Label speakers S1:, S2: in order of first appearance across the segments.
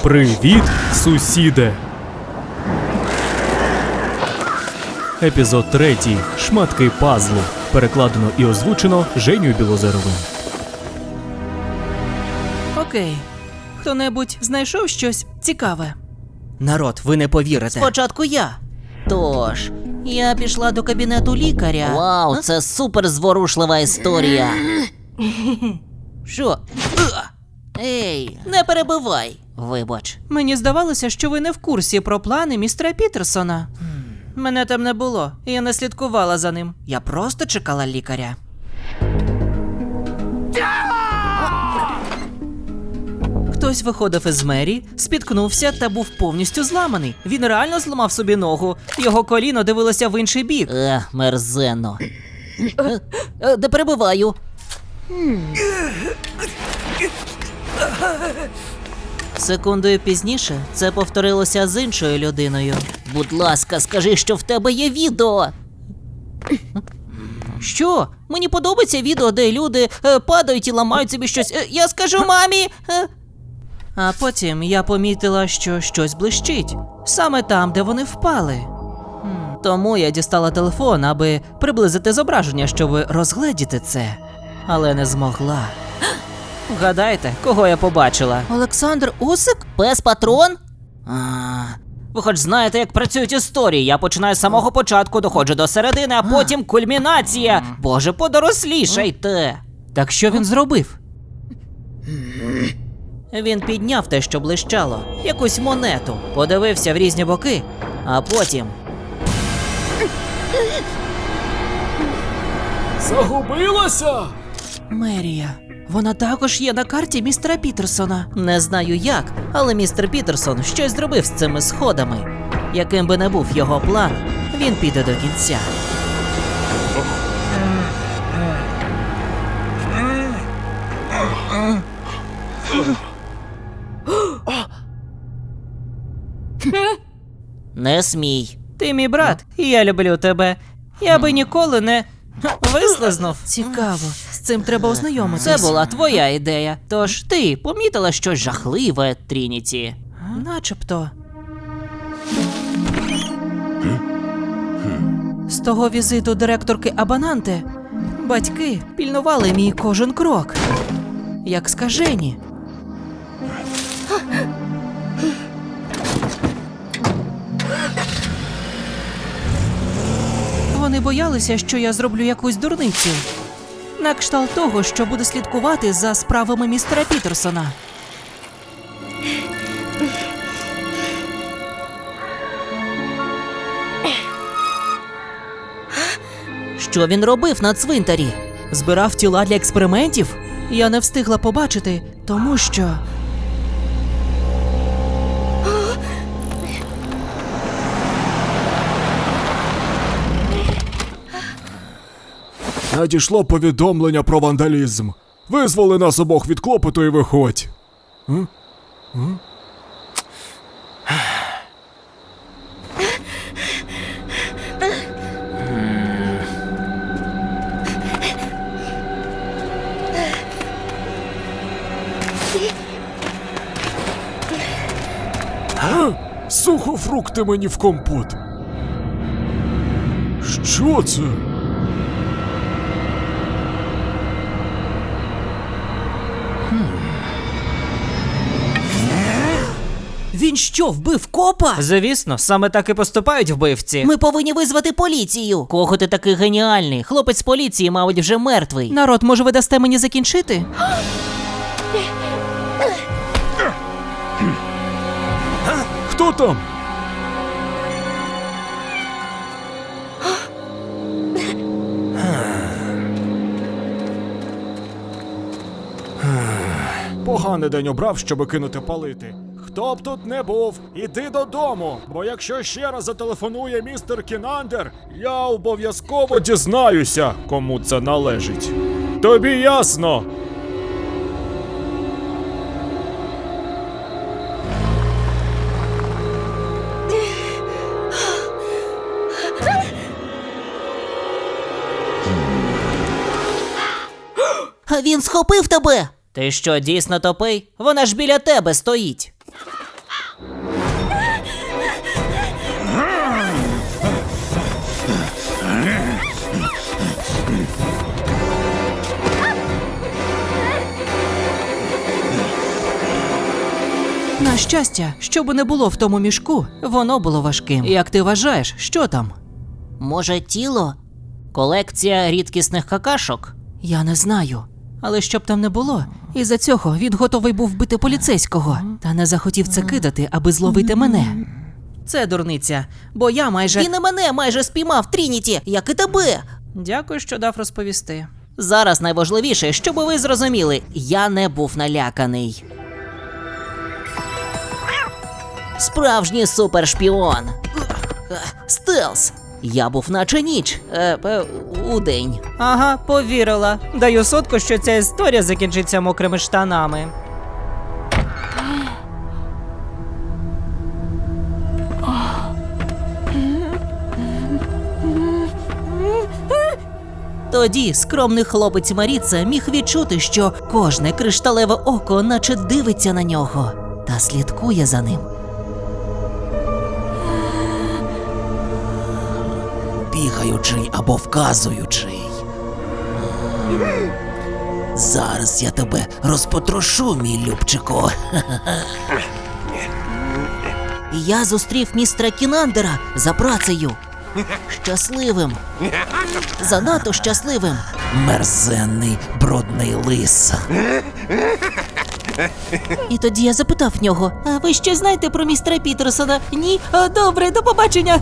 S1: Привіт, сусіде! Епізод 3. Шматки пазлу. Перекладено і озвучено Женєю Білозеровим.
S2: Окей. Хто-небудь знайшов щось цікаве? Народ, ви не повірите.
S3: Спочатку я. Тож, я пішла до кабінету лікаря. Вау, це супер зворушлива історія. Що? Ей, не перебивай. Вибач.
S2: Мені здавалося, що ви не в курсі про плани містера Пітерсона. Мене там не було, і я не слідкувала за ним. Я просто чекала лікаря. Хтось виходив із мерії, спіткнувся та був повністю зламаний. Він реально зламав собі ногу. Його коліно дивилося в інший бік.
S3: Мерзенно. Не перебиваю.
S2: Секундою пізніше це повторилося з іншою людиною.
S3: Будь ласка, скажи, що в тебе є відео.
S2: Що? Мені подобається відео, де люди падають і ламають собі щось. Я скажу мамі. А потім я помітила, що щось блищить. Саме там, де вони впали. Тому я дістала телефон, аби приблизити зображення, щоб розгледіти це. Але не змогла. Вгадайте, кого я побачила?
S3: Олександр Усик? Пес-патрон?
S2: Ви хоч знаєте, як працюють історії. Я починаю з самого початку, доходжу до середини, а потім кульмінація. Боже, подорослішайте. Так що він зробив? Він підняв те, що блищало, якусь монету, подивився в різні боки, а потім...
S1: Загубилася?
S2: Мерія. Вона також є на карті містера Пітерсона. Не знаю як, але містер Пітерсон щось зробив з цими сходами. Яким би не був його план, він піде до кінця.
S3: Не смій.
S2: Ти мій брат, і я люблю тебе. Я би ніколи не вислизнув. Цікаво, з цим треба ознайомитись. Це була твоя ідея. Тож ти помітила щось жахливе, Трініті? Начебто. З того візиту директорки Абананте батьки пільнували мій кожен крок. Як скажені. Вони боялися, що я зроблю якусь дурницю. На кшталт того, що буде слідкувати за справами містера Пітерсона.
S3: Що він робив на цвинтарі?
S2: Збирав тіла для експериментів? Я не встигла побачити, тому що...
S1: Надійшло повідомлення про вандалізм. Визволи нас обох від клопоту і виходь. Сухофрукти мені в компот. Що це?
S3: Він що, вбив копа?
S2: Звісно, саме так і поступають вбивці.
S3: Ми повинні визвати поліцію. Кого ти такий геніальний? Хлопець з поліції, мабуть, вже мертвий.
S2: Народ, може ви дасте мені закінчити?
S1: Хто там? Поганий день обрав, щоб кинути палити. Хто б тут не був, іди додому, бо якщо ще раз зателефонує містер Кінандер, я обов'язково дізнаюся, кому це належить. Тобі ясно?
S3: Він схопив тебе!
S2: Ти що, дійсно тупий? Вона ж біля тебе стоїть. На щастя, що би не було в тому мішку, воно було важким. Як ти вважаєш, що там?
S3: Може, тіло? Колекція рідкісних какашок?
S2: Я не знаю. Але щоб там не було, із-за цього він готовий був вбити поліцейського, та не захотів це кидати, аби зловити мене. Це дурниця, бо я майже...
S3: Він і мене майже спіймав, Трініті, як і тебе.
S2: Дякую, що дав розповісти.
S3: Зараз найважливіше, щоб ви зрозуміли, я не був наляканий. Справжній супершпіон. Стелс. Я був наче ніч. Удень.
S2: Ага, повірила. Даю сотку, що ця історія закінчиться мокрими штанами.
S3: Тоді скромний хлопець Маріца міг відчути, що кожне кришталеве око наче дивиться на нього та слідкує за ним. Бігаючий або вказуючий. Зараз я тебе розпотрошу, мій любчику. Я зустрів містера Кінандера за працею. Щасливим. Занадто щасливим. Мерзенний, брудний лис. І тоді я запитав в нього: а ви ще знаєте про містера Пітерсона? Ні? Добре, до побачення.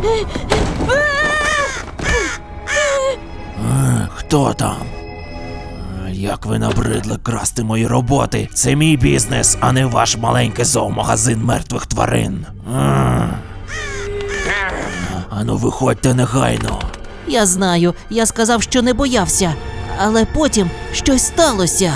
S4: Хто там? Як ви набридли красти мої роботи? Це мій бізнес, а не ваш маленький зоомагазин мертвих тварин. Ану, виходьте негайно.
S3: Я знаю, я сказав, що не боявся. Але потім щось сталося.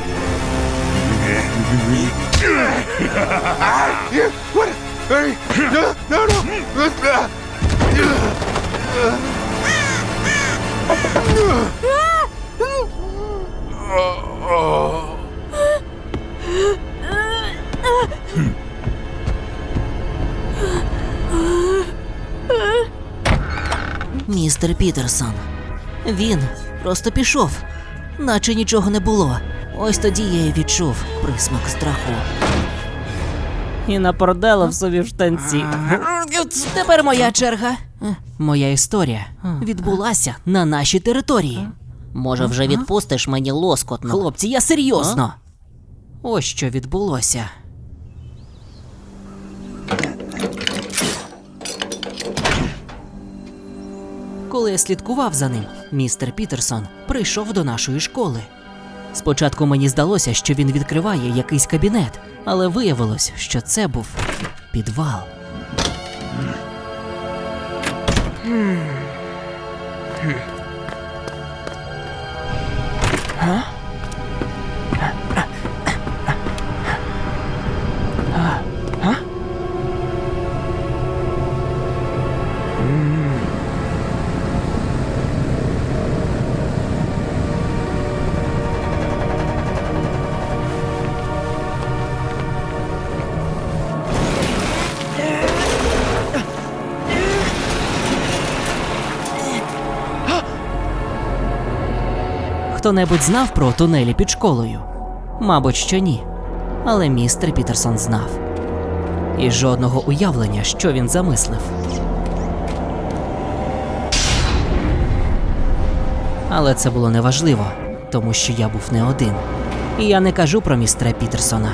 S3: Містер Пітерсон. Він просто пішов, наче нічого не було. Ось тоді я й відчув присмак страху.
S2: І напродала собі в штанці.
S3: Тепер моя черга. Моя історія відбулася на нашій території. Може, вже відпустиш мені лоскотно? Хлопці, я серйозно.
S2: Ось що відбулося. Коли я слідкував за ним, містер Пітерсон прийшов до нашої школи. Спочатку мені здалося, що він відкриває якийсь кабінет, але виявилось, що це був підвал. Хто-небудь знав про тунелі під школою? Мабуть, що ні. Але містер Пітерсон знав. І жодного уявлення, що він замислив. Але це було неважливо, тому що я був не один. І я не кажу про містера Пітерсона.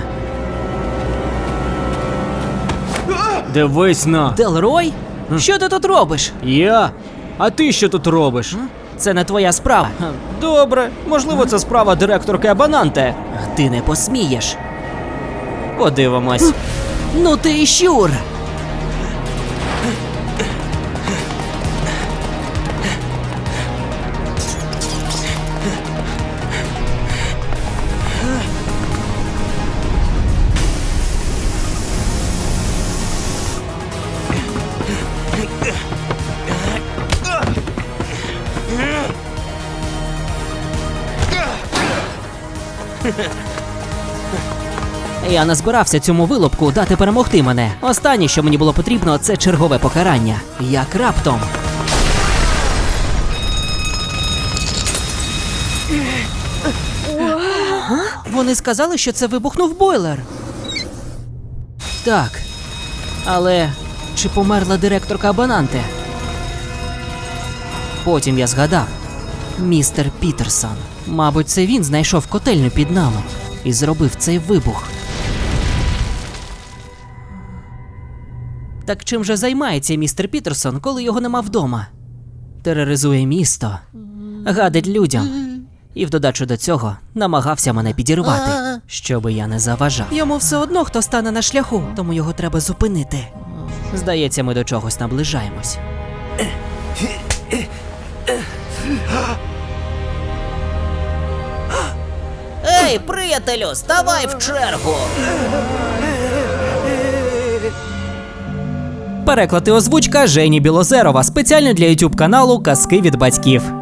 S5: Дивись на.
S2: Делрой? Що ти тут робиш?
S5: Я? А ти що тут робиш?
S2: Це не твоя справа.
S5: Добре, можливо, це справа директорки Абананте.
S2: Ти не посмієш.
S5: Подивимось.
S2: Ну ти і щур! Я не збирався цьому вилупку дати перемогти мене. Останнє, що мені було потрібно, це чергове покарання. Як раптом. Вони сказали, що це вибухнув бойлер.
S3: Так. Але чи померла директорка Абананте? Потім я згадав. Містер Пітерсон. Мабуть, це він знайшов котельню під нами і зробив цей вибух. Так чим же займається містер Пітерсон, коли його нема вдома? Тероризує місто, гадить людям. І в додачу до цього намагався мене підірвати, щоби я не заважав.
S2: Йому все одно хто стане на шляху, тому його треба зупинити.
S3: Здається, ми до чогось наближаємось.
S2: Ей, приятелю, ставай в чергу!
S5: Переклад і озвучка Жені Білозерова спеціально для YouTube каналу Казки від батьків.